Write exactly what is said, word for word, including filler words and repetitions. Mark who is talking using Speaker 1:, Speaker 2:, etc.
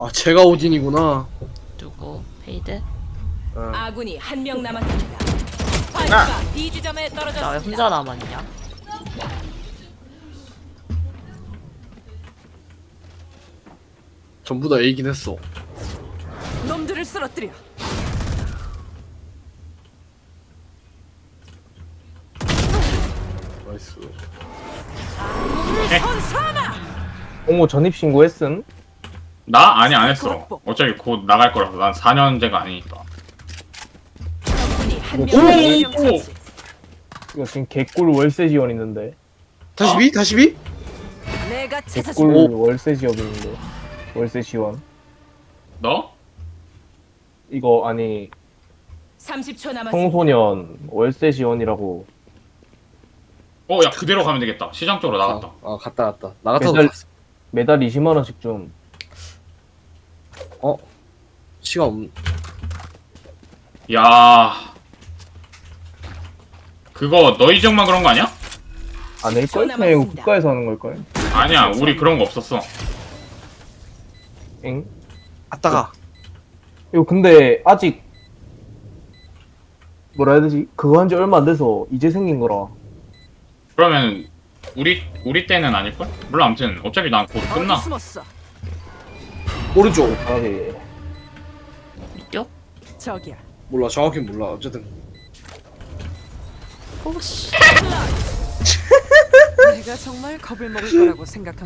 Speaker 1: 아 제가 오딘이구나.
Speaker 2: 누구? 페이드?
Speaker 1: 어.
Speaker 3: 아군이 한 명 남았습니다. 파이크가 B 지점에
Speaker 2: 나 왜
Speaker 3: 떨어졌습니다.
Speaker 2: 혼자 남았냐?
Speaker 1: 전부 다 A긴 했어.
Speaker 3: 놈들을 쓰러뜨려.
Speaker 1: 나이스.
Speaker 3: 선사나.
Speaker 4: 어머 전입신고 했음?
Speaker 5: 나? 아니 안 했어. 어차피 곧 나갈 거라서 난 사 년제가 아니니까.
Speaker 3: 적군이
Speaker 4: 오!
Speaker 3: 한명 처치.
Speaker 4: 이거 지금 개꿀 월세 지원 있는데
Speaker 1: 다시 B? 다시 B?
Speaker 3: 내가
Speaker 4: 개꿀
Speaker 3: 찾아준
Speaker 4: 월세 지원 있는데 월세 지원
Speaker 5: 너?
Speaker 4: 이거 아니
Speaker 3: 삼십 초 남았습니다.
Speaker 4: 청소년 월세 지원이라고
Speaker 5: 어, 야 그대로 가면 되겠다. 시장 쪽으로 나갔다.
Speaker 1: 아, 아 갔다 갔다. 나갔다도
Speaker 4: 매달-
Speaker 1: 갔어.
Speaker 4: 매달 이십만 원씩 좀
Speaker 1: 어? 시간 없.
Speaker 5: 야, 그거 너희 지역만 그런 거 아니야?
Speaker 4: 안낼 걸? 그냥 이거 국가에서 하는 걸걸?
Speaker 5: 아니야, 우리 그런 거 없었어.
Speaker 4: 엥?
Speaker 1: 아따가.
Speaker 4: 이거 근데 아직 뭐라 해야 되지? 그거 한 지 얼마 안 돼서 이제 생긴 거라
Speaker 5: 그러면 우리 우리 때는 아닐걸? 물론 아무튼 어차피 난 곧 끝나.
Speaker 3: 어디 숨었어?
Speaker 1: 오른쪽.
Speaker 4: 하게
Speaker 2: 이쪽?
Speaker 3: 저기야.
Speaker 1: 몰라 정확히 몰라. 어쨌든.
Speaker 2: 오씨.
Speaker 3: 내가 정말 겁을 먹을 거라고 생각한.